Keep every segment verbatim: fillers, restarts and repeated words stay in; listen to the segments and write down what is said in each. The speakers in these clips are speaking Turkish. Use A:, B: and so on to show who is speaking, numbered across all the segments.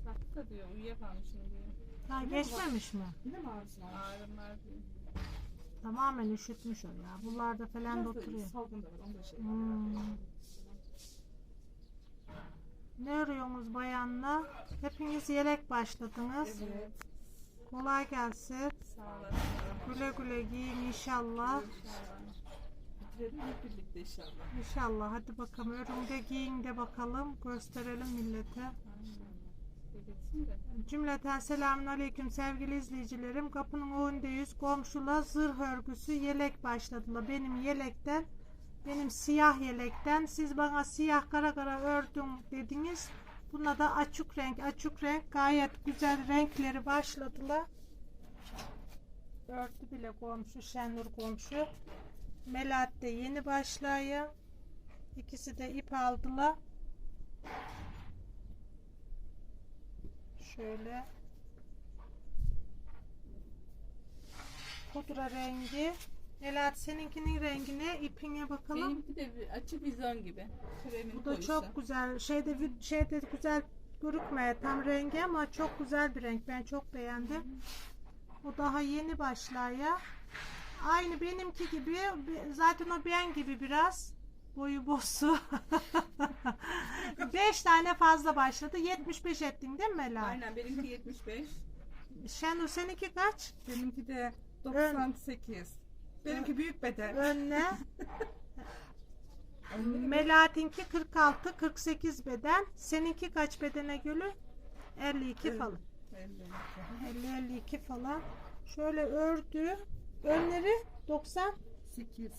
A: Kalktı da diyor uyuyakalmışım diyor.
B: Ha, geçmemiş mi?
C: Yine mi ağrısı var?
A: Ağrım var diyor.
B: Tamamen üşütmüş o ya. Buralarda falan da
C: Biraz da
B: oturuyor.
C: salgın da var. Onda şey.
B: Hmm. Ne arıyorsunuz bayanla? Hepiniz yelek başladınız.
C: Evet.
B: Kolay gelsin.
A: Sağ olasın.
B: Güle güle giyin inşallah.
A: İnşallah.
C: Bitirelim hep birlikte inşallah.
B: İnşallah. Hadi bakalım. Örümde giyin de bakalım. Gösterelim millete.
A: Belirtsin de.
B: Cümleten selamünaleyküm sevgili izleyicilerim. Kapının önündeyiz. Komşula zırh örgüsü yelek başladılar. Benim yelekten, benim siyah yelekten. Siz bana siyah kara kara ördüm dediniz. Buna da açık renk, açık renk gayet güzel renkleri başladılar. Ördü bile komşu, Şenur komşu. Melahat de yeni başlıyor. İkisi de ip aldılar. Şöyle pudra rengi. Melahat seninkinin rengi ne? İpine bakalım.
A: Benimki de bir açık vizon gibi. Kremin
B: Bu da
A: koyusu.
B: çok güzel. Şeyde vi- şeyde güzel görükmüyor tam rengi ama çok güzel bir renk. Ben çok beğendim. O daha yeni başlıyor. Aynı benimki gibi. Zaten o ben gibi biraz. Boyu bosu. beş tane fazla başladı. yetmiş beş ettin değil mi Melahat?
A: Aynen benimki yetmiş beş.
B: Şenur seninki kaç?
C: Benimki de doksan sekiz. Benimki büyük beden.
B: Önüne. Melahat'inki kırk altı kırk sekiz beden. Seninki kaç bedene gülü? elli iki
C: Evet.
B: falan. elli elli iki falan. Şöyle ördü. Önleri doksan.
C: sekiz.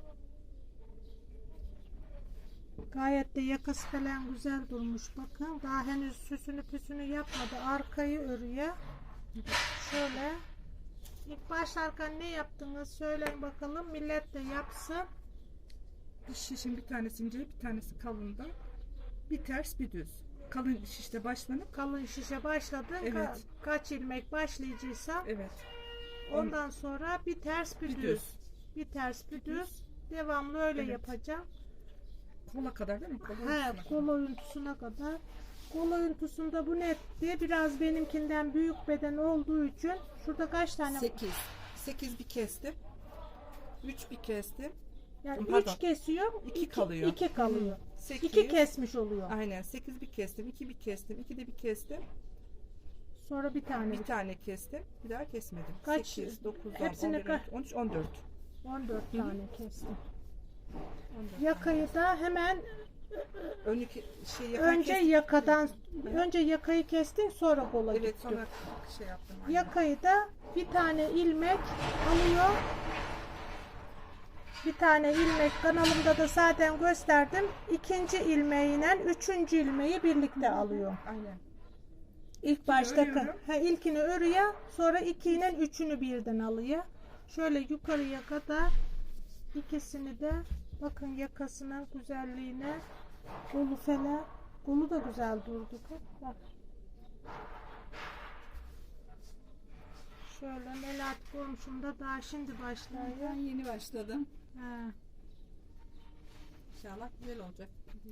B: Gayet de yakası falan güzel durmuş. Bakın daha henüz süsünü püsünü yapmadı. Arkayı örüyor. Şöyle. İlk başlarken ne yaptınız? Söyleyin bakalım. Millet de yapsın.
C: Bir şişin bir tanesi ince, bir tanesi kalında. Bir ters, bir düz. Kalın şişte başlanıp,
B: Kalın şişe başladın.
C: Evet.
B: Ka- kaç ilmek başlayacaksan
C: evet.
B: ondan sonra bir ters bir,
C: Bir
B: düz.
C: düz.
B: Bir ters bir
C: Bir
B: düz.
C: düz.
B: Devamlı öyle
C: Evet.
B: yapacağım.
C: Kola kadar değil mi? Kola
B: He,
C: ortasına
B: kol oyuntusuna kadar. Kol oyuntusunda bu netti. Biraz benimkinden büyük beden olduğu için şurada kaç tane?
C: sekiz. sekiz bir kestim. üç bir kestim.
B: Yani
C: Pardon.
B: üç kesiyor.
C: İki kalıyor.
B: iki kalıyor.
C: sekiz.
B: iki kesmiş oluyor.
C: Aynen. sekiz bir kestim. iki bir kestim. iki de bir kestim.
B: Sonra bir tane.
C: Bir tane kestim. Bir daha kesmedim.
B: Kaç?
C: sekiz, dokuz, on,
B: Hepsini
C: on bir,
B: ka-
C: on üç, on dört.
B: on dört
C: Hı hı.
B: tane kestim.
C: on dört.
B: Yakayı da hemen
C: Önlük şey yakan
B: önce
C: kestim.
B: yakadan önce yakayı kestin sonra kola
C: Evet,
B: gittin.
C: sonra şey yaptım. aynen.
B: Yakayı da bir tane ilmek alıyor. Bir tane ilmek kanalımda da zaten gösterdim. İkinci ilmeğiyle üçüncü ilmeği birlikte alıyor.
C: Aynen.
B: İlk başta
C: örüyorum.
B: ha, ilkini örüyor, sonra iki ile üçünü birden alıyor. Şöyle yukarıya kadar ikisini de bakın yakasına, güzelliğine, kolu falan. Kolu da güzel durdu. Bak. Şöyle Melahat komşum da daha şimdi başlıyor.
A: Ben yeni başladım.
B: Ha.
A: İnşallah güzel olacak.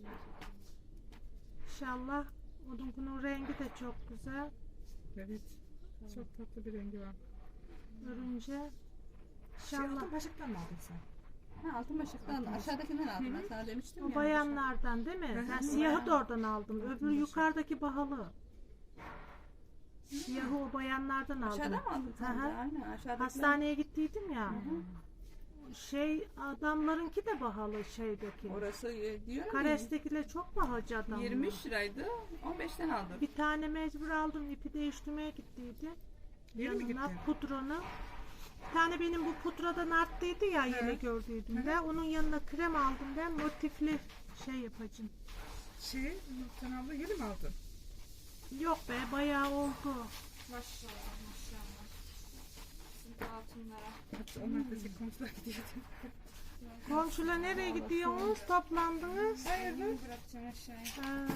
B: İnşallah onun bunun rengi de çok güzel.
C: Evet. Çok tatlı bir rengi var.
B: Örünce
C: Şey
B: İnşallah
C: altın başlıktan mı aldın sen?
A: Ha, altın başlıktan aşağıdakinden aldım ben sana demiştim
B: o
A: ya.
B: bayanlardan değil mi?
C: Hı hı.
B: Ben siyahı da oradan aldım. Öbür yukarıdaki pahalı. Siyahı o bayanlardan aldım.
A: Aşağıda mı aldın sen de?
B: Hı hı.
A: Aynen aşağıdakinden.
B: Hastaneye gittiydim ya.
A: Hı hı.
B: Şey adamlarınki de pahalı şeydeki.
A: Orası e, diyor ya,
B: Kares'tekiler çok pahalı adamlar.
A: yirmi üç liraydı. on beşten aldım.
B: Bir tane mecbur aldım. İpi değiştirmeye gittiydi.
C: Yeni mi
B: Yanına
C: gittin?
B: pudranı. Bir tane benim bu pudradan arttıydı ya yeni gördüydüm de. Onun yanına krem aldım ben. Motifli şey yapacağım.
C: Şey, sen abla yeni mi aldın?
B: Yok be bayağı oldu.
A: Maşallah maşallah. Şimdi altınlara.
C: Hatta onlar da şey komşular gidiyordu.
B: Komşular nereye gidiyorsunuz? Toplandınız.
A: Hayırdır? Bırakacağım aşağıya.
B: Ha,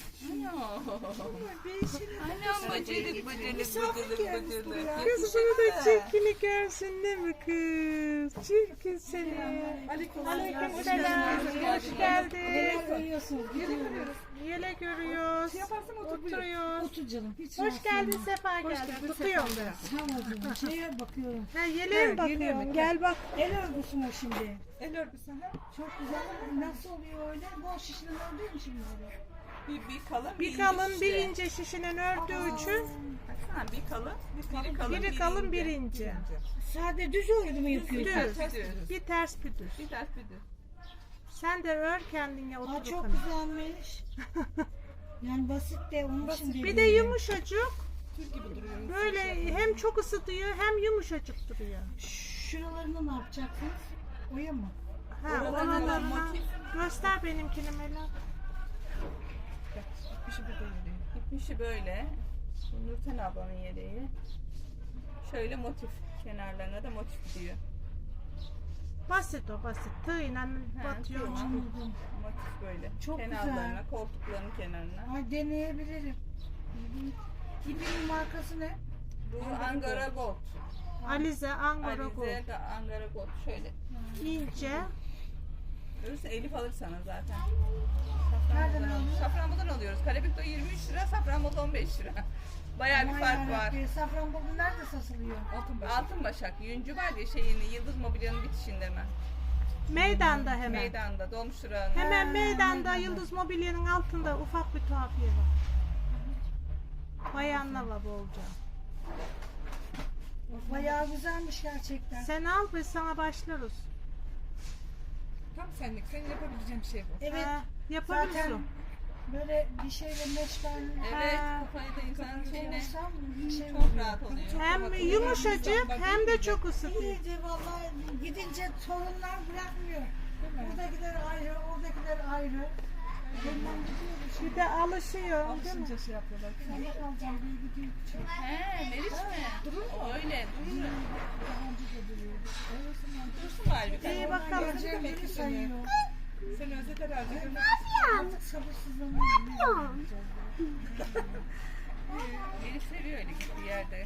A: Annem bacılık bacılık bacılık bacılık.
B: kız bunu da çirkini görsün değil mi kız? Çirkin seni.
C: Aleyküm
B: Aleyküm selam. Hoş geldin.
D: Koyuyorsunuz, gidiyoruz.
B: Yelek örüyoruz.
C: Şey yaparsan otur, buyur.
B: Oturuyoruz.
D: Otur canım. Hiç
B: Hoş
D: rahatsız
B: geldin,
D: olma.
B: sefa
C: Hoş
B: geldin.
C: geldin,
B: Tutuyorum
C: sefa.
B: ben.
D: Sağ ol canım. Şeye bakıyorum.
B: Ha, yeleğe mi
C: Evet,
B: bakıyorum?
C: yeleğe bak.
B: Gel bak.
D: El örgüsü mü şimdi?
C: El örgüsü ha.
D: Çok güzel. Nasıl oluyor öyle? Bu şişinin ördüğü mü şimdi öyle?
E: Bir, bir kalın,
B: Bir
E: ince
B: kalın,
E: işte.
B: bir ince şişinin ördüğü için
E: Baksana bir kalın, biri kalın,
B: biri kalın, bir ince.
D: Sade düz örgü mü yapıyorsun?
B: Düz.
E: Ters düz.
B: Bir ters bir düz.
E: Bir ters bir düz.
B: Sen de ör kendine
D: Aa,
B: otur.
D: çok
B: bakalım.
D: güzelmiş. Yani basit de onun için
B: Bir
D: dedim
B: de
D: ya.
B: yumuşacık.
C: Tül gibi duruyor.
B: Böyle hem çok ısıtıyor hem yumuşacık duruyor.
D: Şuralarını ne yapacaksınız? Oya mı?
B: Ha,
E: Oralarına
B: oralarına
E: motif.
B: göster benimkini Mela.
C: Bir şey burada yürüyor.
E: İpmişi böyle. Nurten ablanın yeleği. Şöyle motif. Kenarlarına da motif diyor.
B: Basit o basit. Tığıyla batıyor.
E: tığla.
D: Anladım.
E: Motif böyle.
D: Çok
E: Kenarlarına,
D: güzel.
E: koltukların kenarına.
D: Ay deneyebilirim. İpin markası ne?
E: Bu Angara Gold.
B: Alize, Angora Gold.
E: Alize de Angara Gold. Şöyle.
B: İnce.
E: Görürse Elif alır sana zaten.
D: Nereden
E: Safranbolu'dan
D: aldın?
E: al- Safranbolu'dan alıyoruz. Karabük'te yirmi üç lira, Safranbolu'da on beş lira. Bayağı bir
D: Aman
E: fark var.
D: yarabbim, Safranbolu nerede satılıyor?
C: Altın başı.
E: Altın Başak, Yüncü var ya şeyini, Yıldız Mobilya'nın bitişinde hemen.
B: Meydanda hemen.
E: Meydanda, dolmuş durağında.
B: Hemen
D: Ha,
B: meydanda
D: meydanda.
B: Yıldız Mobilya'nın altında ufak bir tuhafiye var. Bayanla var bolca.
D: Bayağı güzelmiş gerçekten.
B: Sen al biz sana başlarız.
C: Tam senlik. Senin yapabileceğin bir şey bu.
D: Evet.
B: Ha,
D: Zaten
B: yapabilirsin.
D: böyle bir şeyle meşgal
E: Evet,
B: Ha.
E: kafayı da insanın şeyine
D: olursam şey
E: çok rahat oluyor.
B: Hem yumuşacık hem de çok ısıtıyor.
D: İyice vallahi gidince torunlar bırakmıyor. Buradakiler ayrı, oradakiler ayrı. Bundan gidiyoruz.
B: Bir de alışıyor değil mi?
C: Alışınca şey yapıyorlar.
D: Sen de kalacağım diye gidiyor.
E: He, Meriç mi? Durur mu? Öyle, durur.
D: Daha önce de duruyordu.
E: Dursun galiba.
B: İyi
D: Onlar
B: bakalım.
D: geleceğim beni sayıyor.
C: Sen özet herhalde.
D: Artık sabırsızlanıyorum.
E: Meriç seviyor öyle gittiği yerde.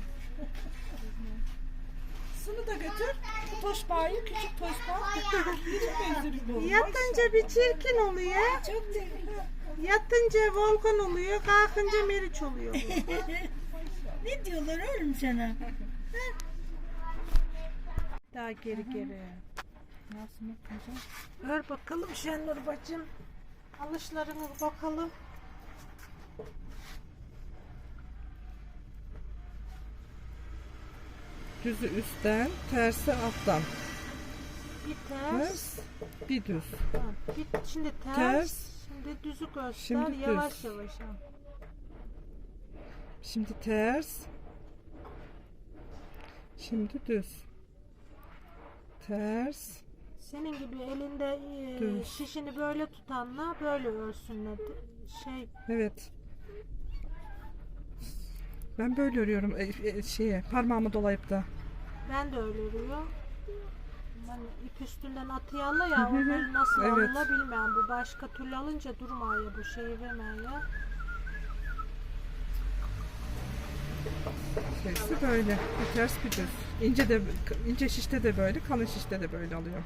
C: Sını da götür. Bu toşbağı, küçük toşbağı. Küçük benzeri bu.
B: Yatınca bir çirkin oluyor.
D: Çok tehlikeli.
B: Yatınca volkan oluyor, kalkınca meriç oluyor. bu.
D: Ne diyorlar oğlum sana?
B: Daha geri geri.
C: Nasıl yapacağım?
B: Ör bakalım Şenur bacım. Alışlarına bakalım.
C: Düzü üstten, tersi alttan.
B: Bir ters.
C: Ters, bir düz.
B: Ha, bir, şimdi ters.
C: Ters.
B: Şimdi düzü göster.
C: Şimdi
B: yavaş
C: düz.
B: yavaş. al.
C: Şimdi ters. Şimdi düz. Ters.
B: Senin gibi elinde e,
C: Düz.
B: şişini böyle tutanla böyle örsünler. Şey
C: Evet. Ben böyle örüyorum e, e, şeye parmağımı dolayıp da.
B: ben de öyle örüyorum. Hani ip üstünden atıyala ya
C: Hı hı.
B: onları nasıl
C: Evet.
B: alınla bilmem. Bu başka türlü alınca durmaya bu şeyi vermeye.
C: Tersi böyle. Bir ters bir düz. İnce de ince şişte de böyle, kalın şişte de böyle alıyor.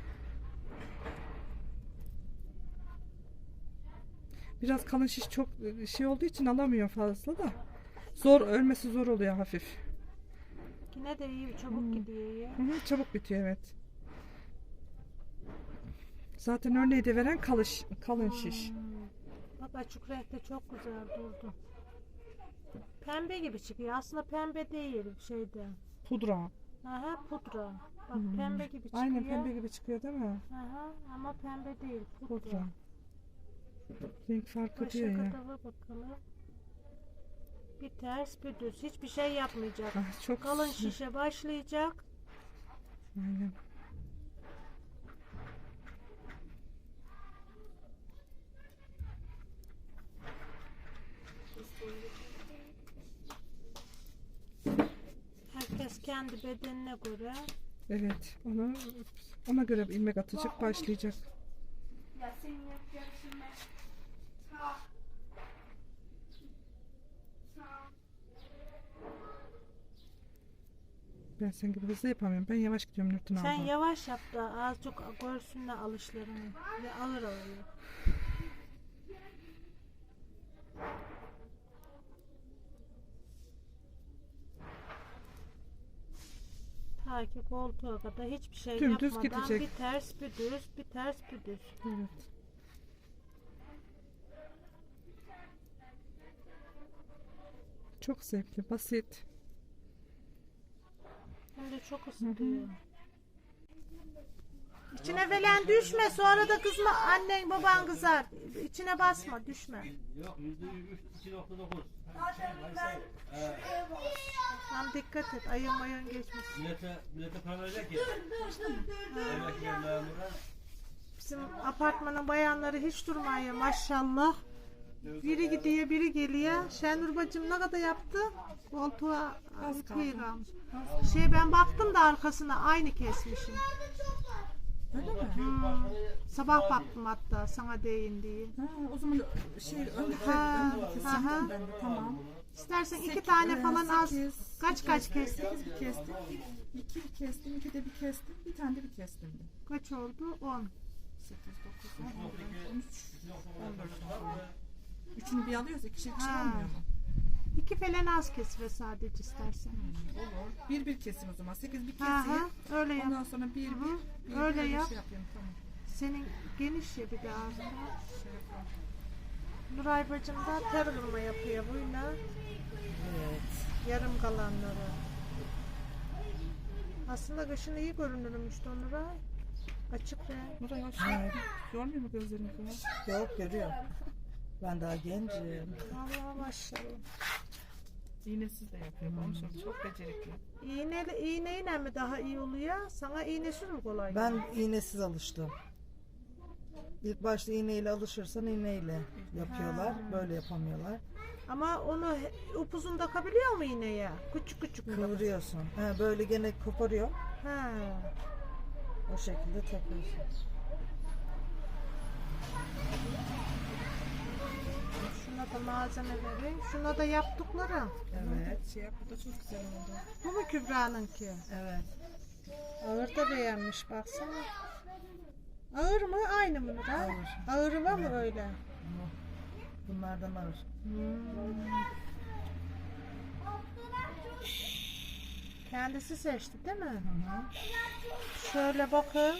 C: Biraz kalın şiş çok e, şey olduğu için alamıyor fazla da. Zor örmesi zor oluyor hafif.
B: Yine de iyi çabuk
C: Hmm.
B: gidiyor ya.
C: Hı hı, çabuk bitiyor evet. Zaten örneği de veren kalış, kalın şiş.
B: Hmm. Bak açık renkte çok güzel durdu. Pembe gibi çıkıyor. Aslında pembe değil şeyde.
C: Pudra.
B: Aha pudra. Bak
C: Hmm.
B: pembe gibi çıkıyor.
C: Aynen pembe gibi çıkıyor değil mi?
B: Aha, ama pembe değil. Pudra.
C: Pudra. Renk farkı
B: Başa
C: diyor ya.
B: kadar bakalım. Bir ters bir düz. Hiçbir şey yapmayacak.
C: Ah, çok
B: Kalın şişe başlayacak.
C: Aynen.
B: Herkes kendi bedenine göre.
C: Evet. Ona ona göre ilmek atacak, başlayacak. Ben sen gibi hızlı yapamıyorum. Ben yavaş gidiyorum Nurten abla.
B: Sen yavaş yap da az çok görsünler alışlarını. Ve alır alıyor. Ta ki koltuğa kadar hiçbir şey
C: Dümdüz
B: yapmadan
C: gidecek.
B: bir ters bir düz, bir ters bir düz.
C: Evet. Çok zevkli, basit.
B: Hem de çok ısıtıyor. İçine falan düşme, sonra da kızma, annen baban kızar. İçine basma, düşme.
F: Yok yüzde iki nokta dokuz.
B: Tam dikkat et, ayın mayın geçmesin.
F: Millete, millete para verecek ya. Emekliler memurlar.
B: Bizim apartmanın bayanları hiç durmuyor maşallah. Biri gidiyor, biri geliyor. Şenur bacım ne kadar yaptı? Koltuğa bitmeyi kalmış. Şey ben baktım da arkasına aynı kesmişim.
C: Öyle mi?
B: Hmm. Sabah baktım hatta sana değin diye.
C: Ha, o zaman şey öndeki
B: Ha,
C: öndeki
B: aha.
C: kesildim ben de, tamam.
B: İstersen iki
C: Sek-
B: tane
C: e,
B: falan az.
C: sekiz,
B: Kaç kaç kestin?
C: sekiz bir kestim. İki bir kestim, iki de bir kestim, bir tane de bir kestim. de.
B: Kaç oldu? on.
C: Sekiz, dokuz, on, on bir, on üç, on dört. Üçünü bir alıyoruz, ikişer ikişer
B: Ha.
C: olmuyor mu?
B: İki falan az kesire sadece istersen.
C: Olur. Bir bir kesim o zaman. Sekiz bir
B: Aha,
C: keseyim.
B: öyle yap.
C: Ondan sonra bir bir. bir
B: Öyle
C: bir
B: yap.
C: Şey yapayım, tamam.
B: Senin geniş ya bir de ağzında.
C: Şey yapalım.
B: Nuray bacım da ter vurma yapıyor buyla.
C: Evet.
B: Yarım kalanları. Aslında kışın iyi görünürmüş de Nuray. Açık renk.
C: Nuray hoş. Görmüyor mu gözlerini falan?
G: Yok görüyor. Ben daha gencim.
B: Allah maşallah.
C: İğnesiz de yapıyorum. Onu söyleyeyim. Çok becerikli.
B: İğne, iğneyle mi daha iyi oluyor? Sana iğnesiz mi kolay?
G: Ben iğnesiz alıştım. İlk başta iğneyle alışırsan iğneyle yapıyorlar. Böyle yapamıyorlar.
B: Ama onu he- upuzun takabiliyor mu iğneye? Küçük küçük mü?
G: Kıvırıyorsun. He, böyle gene koparıyor.
B: Ha.
G: O şekilde takıyorsun.
B: Şuna da malzemeleri. Şuna da yaptıkları.
G: Evet.
C: Şey yap, bu da çok güzel oldu.
B: Bu mu Kübra'nınki?
G: Evet.
B: Ağır da beğenmiş baksana. Ağır mı? Aynı mı Nuray?
G: Ağır.
B: Ağırı var mı öyle?
G: Bunlardan alır.
B: Kendisi seçti değil mi?
G: Hı hı.
B: Şöyle bakın.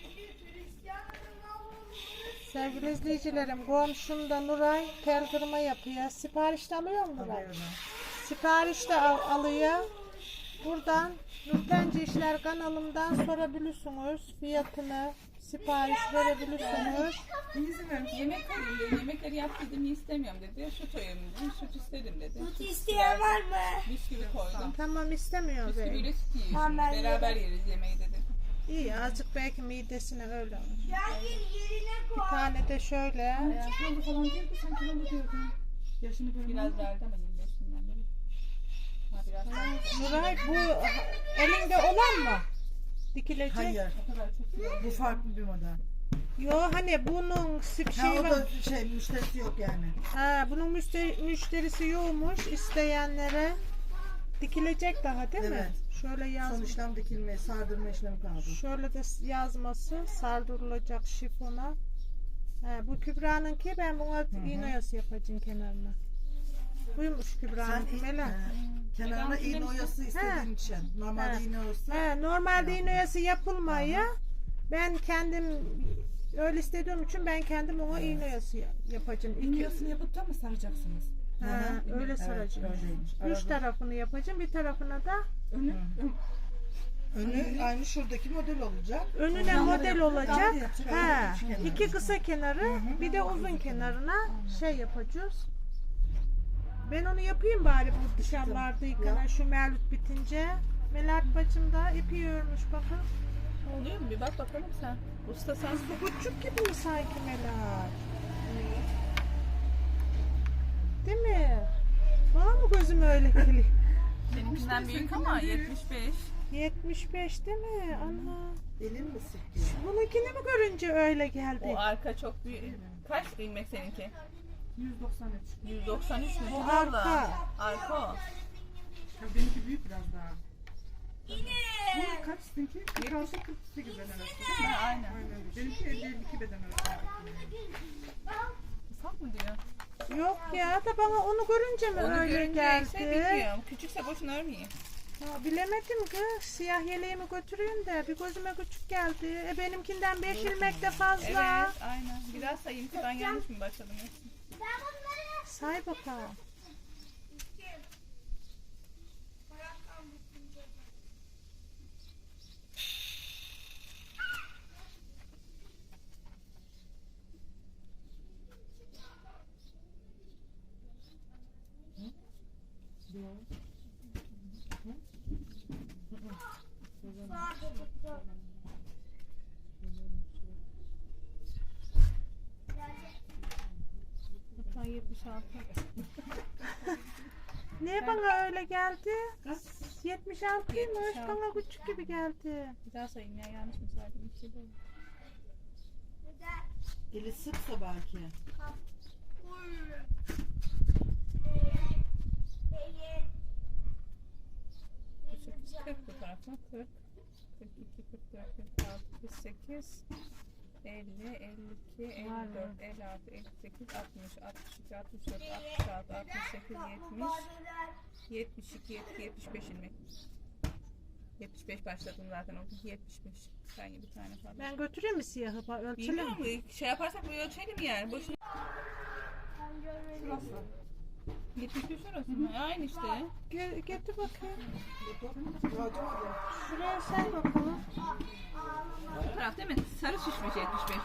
B: Sevgili izleyicilerim, komşum da Nuray tel kırma yapıyor. Sipariş de alıyor mu Nuray?
G: Alıyorum.
B: Sipariş de al- alıyor. Buradan Nurtenci İşler kanalımdan sorabilirsiniz. Fiyatını, sipariş verebilirsiniz.
C: Bir izin verin.
E: Yemek koyayım dedi. Yemekleri yap dedim istemiyorum dedi. Süt koyayım dedim. Süt istedim dedi.
D: Süt isteyen var mı?
E: Bisküvi koydum.
B: Tamam istemiyoruz. yani.
E: Bisküviyle süt yiyin
D: Tamam,
E: şimdi.
D: ben
E: Beraber yeriz yemeği dedi.
B: İyi azıcık belki midesine öyle olur.
D: Gel yerine koy.
B: Bir tane de şöyle.
C: Kilolu falan değil mi? Sen kilolu diyordun. Yaşını böyle
E: Biraz verdi ama yirmi beşinden beri. Ha biraz daha.
B: Nuray bu elinde olan mı? Dikilecek.
G: Hayır.
E: O kadar çok iyi.
G: Bu farklı bir model.
B: Yo hani bunun sip
G: Ha,
B: şey
G: o
B: var.
G: da şey müşterisi yok yani.
B: Ha, bunun müşteri, müşterisi yokmuş isteyenlere. Dikilecek daha değil mi?
G: Evet.
B: Şöyle
G: Son
B: yazmış.
G: işlem dikilme, sardırma işlemi kaldı.
B: Şöyle de yazması sardırılacak şifona. Ha, bu Kübra'nınki ben buna iğne oyası yapacağım kenarına. Buymuş
G: Sen
B: Kübra'nınki
G: i-
B: Mela.
G: e, kenarına iğne oyası istediğin için. Normalde
B: Ha.
G: iğne oyası.
B: Ha, normalde iğne oyası yapılmaya ben kendim öyle istediğim için ben kendim ona iğne oyası yapacağım. İki,
C: İğneyasını yapıp da mı saracaksınız?
B: ha, öyle
G: Evet,
B: saracağım.
G: öyleymiş.
B: Üç
G: Arada-
B: tarafını yapacağım. Bir tarafına da
C: Önü, ön,
G: Önü aynı şuradaki model olacak.
B: önüne
G: Yanları
B: model
G: yapacak,
B: olacak.
G: yanları yapacak,
B: Ha,
G: öyle kenarı.
B: iki kısa kenarı, bir de uzun kenarına şey yapacağız. Ben onu yapayım bari bu dışarılarda yıkanan şu Mevlüt bitince. Melahat bacım da ipi örmüş bakın.
E: Oluyor mu? Bir bak bakalım sen. Usta sen.
B: Bu küçük gibi mi sanki Melahat? Değil mi? Bana mı gözüm öyle geliyor?
E: Seninkinden büyük ama yetmiş beş.
B: yetmiş beş değil mi? Ana.
G: Elin mi sıkıyor?
B: Bununkini mi görünce öyle geldi?
E: O arka çok büyük. Kaç ilmek seninki?
C: yüz doksan üç.
E: yüz doksan üç mü?
B: Bu
E: Abla.
B: arka.
E: Arka o.
C: Ya benimki büyük biraz daha. Bu kaç seninki? kırk altı kırk sekiz beden arası değil mi?
E: Ha, aynen.
C: Aynen öyle. Benimki elli elli iki beden arası.
E: Ufak mı diyor?
B: Yok ya da bana onu görünce mi
E: Onu
B: öyle
E: görünce
B: geldi?
E: ise bilmiyorum. Küçükse boşuna örmeyeyim.
B: Ya bilemedim ki siyah yeleğimi götüreyim de bir gözüme küçük geldi. E benimkinden beş ilmek de fazla.
E: Evet, aynen. Biraz sayayım ki ben yanlış mı başladım?
B: Say bakalım.
E: yetmiş altı.
B: Niye bana öyle geldi?
E: Kaç?
B: yetmiş altıymış.
E: yetmiş altı.
B: Bana küçük gibi geldi.
E: Bir daha sayayım ya, yanlış mı saydım? Bir şey değil.
G: Eli sıksa belki.
E: kırk bu tarafa. kırk, kırk iki, kırk dört, kırk altı, kırk sekiz, elli, elli iki, elli dört, elli altı, elli sekiz, altmış, altmış iki, altmış dört, altmış altı, altmış sekiz, yetmiş, yetmiş iki, yetmiş beş ilmek. yetmiş beş başladım zaten, o yetmiş beş. Sanki bir tane falan.
B: Ben götüreyim mi siyahı? Ba- Ölçelim.
E: Bilmiyorum, şey yaparsak bu ölçelim yani. Boşuna.
C: Şurası.
E: yetmiş beş orası mı? Aynı işte.
B: Ge- getir bakayım. Şuraya say bakalım.
E: Bu taraf değil mi? Sarı şişmiş yetmiş beş.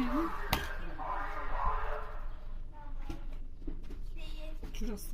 C: Şurası.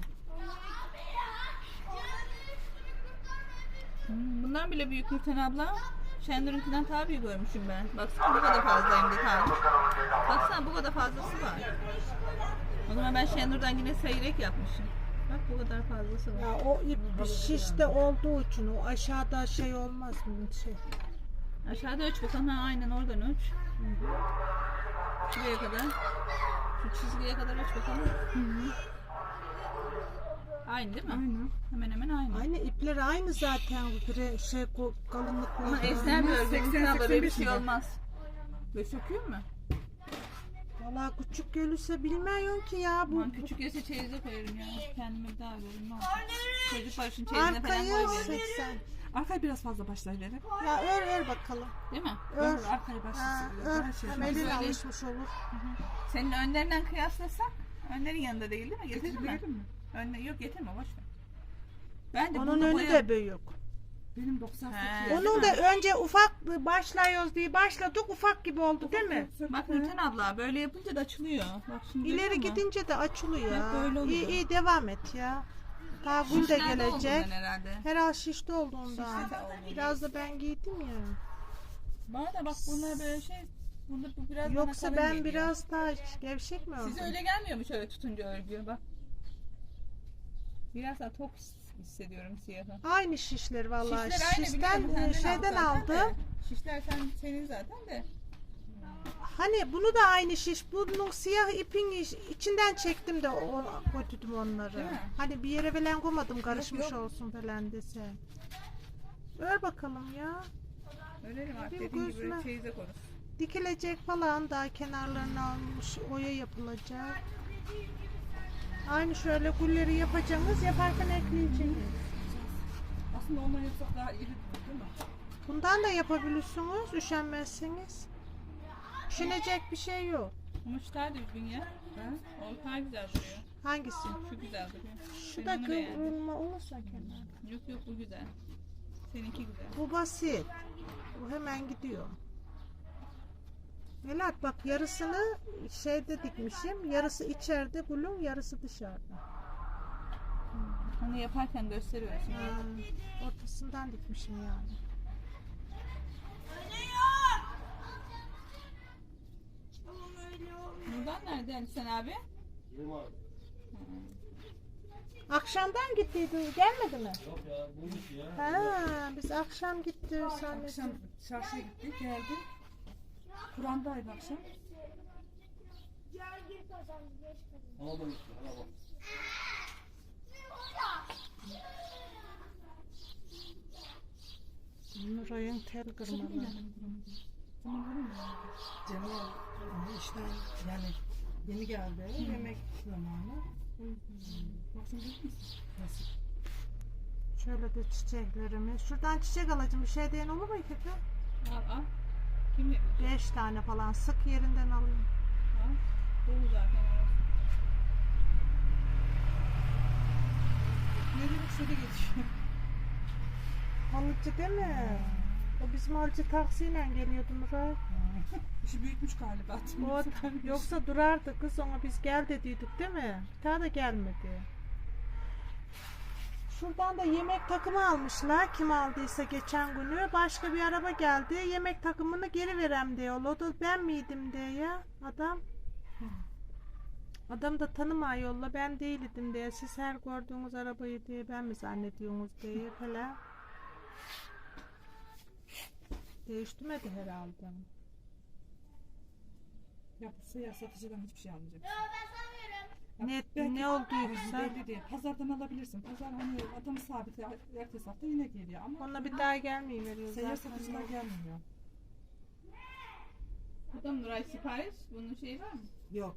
E: Hmm, bundan bile büyük Nurten abla. Şendur'unkinden daha büyük görmüşüm ben. Baksana bu kadar fazla hem de kalmış. Baksana bu kadar fazlası var. O zaman ben Şendur'dan yine seyrek yapmışım. Bak bu kadar fazlası var.
B: Ya o ip şişte olduğu için o aşağıda şey olmaz mı? Şey.
E: Aşağıda ölç bakalım. Ha, aynen oradan ölç. Şuraya kadar. Şu çizgiye kadar ölç bakalım. Aynı değil mi?
C: Aynen.
E: Hemen hemen aynı.
B: Aynı ipler aynı zaten bu bre- şey ko- kalınlıkları.
E: Ama esner bir örgü.
C: seksen,
E: Nurten abla böyle bir
C: seksen beş
E: şey
C: mi?
E: olmaz. Böyle söküyor mu?
B: Valla küçük görürse bilmiyorum ki ya bu.
E: Aman küçük yese çeyize koyarım ya. Kendime bir daha veririm. Ne olacak? Çocuk başın çeyizine falan
B: Arkayı
E: koyuyorum.
B: seksen.
C: Arkayı biraz fazla başlayıverelim.
B: Ya ör ör bakalım.
E: Değil mi?
B: Ör.
C: Ör. Arkayı
B: Ha,
C: başlasın.
B: ör.
C: Her şey.
B: Hem
E: Böyle-
B: elin alışmış olur.
E: Senin önlerinden kıyaslasak, önlerin yanında değil değil mi? Getirdin mi?
C: Getirelim mi?
E: Önle yok getirme boş ver. Bence
B: Onun
E: bunu
B: önü
E: boya...
B: de büyük.
C: Benim doksan
E: He.
C: sekiz.
B: Onun da önce ufak başlıyoruz diye başladık ufak gibi oldu değil mi?
E: Bak Nurten abla böyle yapınca da açılıyor. Bak şimdi
B: İleri
E: görüyor musun?
B: gidince de açılıyor.
E: Hep böyle oluyor.
B: İyi iyi devam et ya. Daha gül de
E: Şişlerde
B: gelecek.
E: olduğundan herhalde.
B: Herhal şişti olduğundan.
E: Şişti de olduğundan.
B: Biraz da ben giydim ya.
E: Bana da bak bunlar böyle şey, bunda bu biraz bana
B: Yoksa
E: kalın
B: ben
E: geliyor.
B: biraz daha gevşek mi oldum?
E: Size öyle gelmiyor mu şöyle tutunca örgü bak. Biraz daha tok hissediyorum siyahı.
B: Aynı şişler vallahi.
E: Şişler aynı
B: Şişten
E: biliyorum,
B: e,
E: senden
B: şeyden
E: al zaten
B: aldım.
E: de. Şişler sen, senin zaten de.
B: Hani bunu da aynı şiş. Bunun siyah ipin iç- içinden çektim de o, koydum onları.
E: Değil mi?
B: Hani bir yere falan koymadım karışmış
E: yok.
B: olsun falan dese. Ver bakalım ya.
E: Öyle mi?
B: Bir
E: Dediğin gibi
B: gözüme-
E: böyle çeyize korur.
B: Dikilecek falan daha kenarlarına almış oya yapılacak. Aynı şöyle gülleri yapacaksınız yaparken ekleyeceksiniz.
C: Aslında ondan yapsak daha iyi değil mi?
B: Bundan da yapabilirsiniz üşenmezseniz. Üşenecek bir şey yok.
E: Ama şu daha düzgün ya. Ha? O daha güzel duruyor.
B: Hangisi?
E: Şu güzel duruyor.
B: Şu
E: Ben
B: da
E: onu beğendim.
B: kıvrılma olursa kenar.
E: Yok yok bu güzel. Seninki güzel.
B: Bu basit. Bu hemen gidiyor. Melat bak yarısını şeyde dikmişim. Yarısı içeride gülün yarısı dışarıda.
E: Onu yaparken gösteriyorsun.
B: Ha, ortasından dikmişim yani.
E: Buradan nerede Ali sen abi?
B: Akşamdan gittiydin gelmedi mi?
F: Yok ya bu iş ya.
B: Ha, biz akşam gitti
C: Akşam
B: zannettim.
C: çarşıya gittik, geldik. Kur'an'daydı akşam.
F: Ona da gitti. Ona bak.
B: Nuray'ın tel kırmalı.
G: Cemil e, işten yani yeni geldi. Yemek zamanı.
C: Baksana değil misin?
G: Nasıl?
B: Şöyle de çiçeklerimiz. Şuradan çiçek alacağım. Bir şey diyen olur mu İpek'e?
E: Al al. Kim ne bilecek?
B: Beş tane falan. Sık yerinden alayım.
E: Al. Dolu zaten orası.
C: Ne demek şöyle geçiyor.
B: Halıcı değil mi? O bizim halıcı taksiyle geliyordu Murat.
C: İşi büyütmüş galiba.
B: O, yoksa durardı kız, ona biz gel dediydik değil mi? Bir daha da gelmedi. Şuradan da yemek takımı almışlar. Kim aldıysa geçen günü. Başka bir araba geldi. Yemek takımını geri verem diyor. O da ben miydim diye ya adam. Adam da tanıma yolla, ben değildim diye. Siz her gördüğünüz arabayı diye ben mi zannediyorsunuz diye falan. Değiştirmedi herhalde.
C: Yapılsa ya satıcıdan hiçbir şey almayacak.
B: Ne,
C: Belki-
B: ne olduysa
C: Belli değil. Pazardan alabilirsin. Pazar hani adamı sabit ertesi hafta yine geliyor ama
B: ona bir daha gelmeyi veriyor
C: seyyar
B: zaten.
C: satıcılar gelmiyor.
E: Bu da Nuray sipariş. Bunun şeyi var mı?
G: Yok.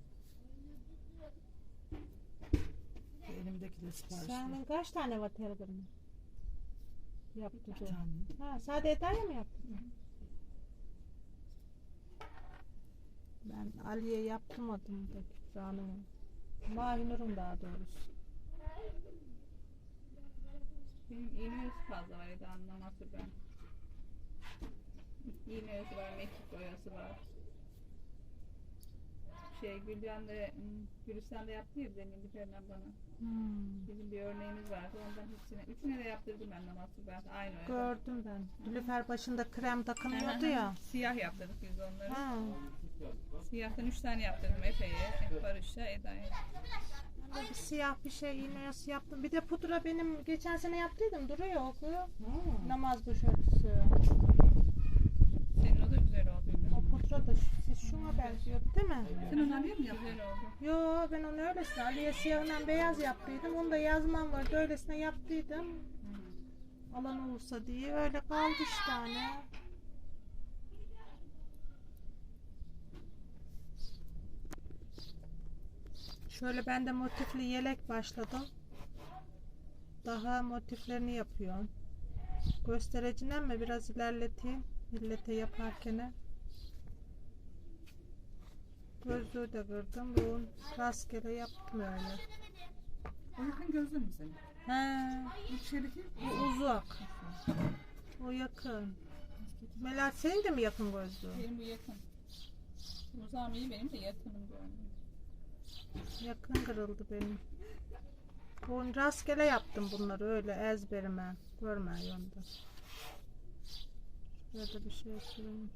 G: Elimdeki de siparişli.
B: Senin kaç tane var telgrafın? Yaptı
G: Bir
B: bu.
G: tane.
B: Ha, sade Eda'ya mı yaptın? Ben Ali'ye yaptırmadım da Kübra'nın. Mavinur'un daha doğrusu.
E: Benim iğne oyası fazla var Eda anlaması ben. İğne oyası var, mekik oyası var. Şey Gülcan da, hmm, Gülistan da yaptı ya demin bir tane bana.
B: Hmm.
E: Bizim bir örneğimiz vardı ondan hepsine. Üçüne de yaptırdım ben namazı ben aynı öyle.
B: Gördüm ben. Nilüfer başında krem takınıyordu ya.
E: Siyah yaptırdık biz onları.
B: Ha.
E: Siyahtan üç tane yaptırdım Efe'ye, Barış'a, Eda'ya.
B: Ben de bir siyah bir şey iğnesi yaptım. Bir de pudra benim geçen sene yaptıydım. Duruyor okuyor.
G: Ha.
B: Namaz başörtüsü.
E: Senin o da güzel oldu.
B: O pudra da şu- siz şuna benziyor değil mi?
C: Sen onu alıyor mu yaptın?
E: Güzel oldu.
B: Yo, ben onu öylesine Ali'ye siyahından beyaz yaptıydım. Onu da yazmam vardı, öylesine yaptıydım. Alan olursa diye öyle kaldı işte tane. Şöyle ben de motifli yelek başladım. Daha motiflerini yapıyorum. Göstericinden mi biraz ilerleteyim millete yaparken. Gözlüğü de kırdım. Bunu rastgele yaptım öyle.
C: O yakın gözlü mü senin?
B: He,
C: Bu şeydeki
B: bu uzak. O yakın. Melat senin de mi yakın gözlüğün?
E: Benim bu yakın. Uzağım iyi benim de yakınım görünüyor.
B: Yakın kırıldı benim. Bunu rastgele yaptım bunları öyle ezberime. Görme yolda. Şurada bir şey süreyim.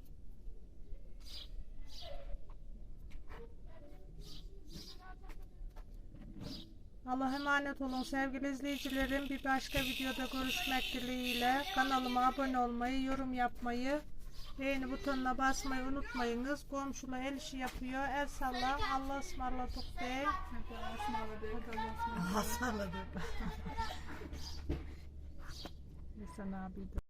B: Allah'a emanet olun sevgili izleyicilerim. Bir başka videoda görüşmek dileğiyle. Kanalıma abone olmayı, yorum yapmayı, beğeni butonuna basmayı unutmayınız. Komşula el işi yapıyor. El salla. Allah'a ısmarladık de.
E: Allah'a ısmarladık. Allah'a ısmarladık.
G: Hasarladı.
B: Hasan abi de.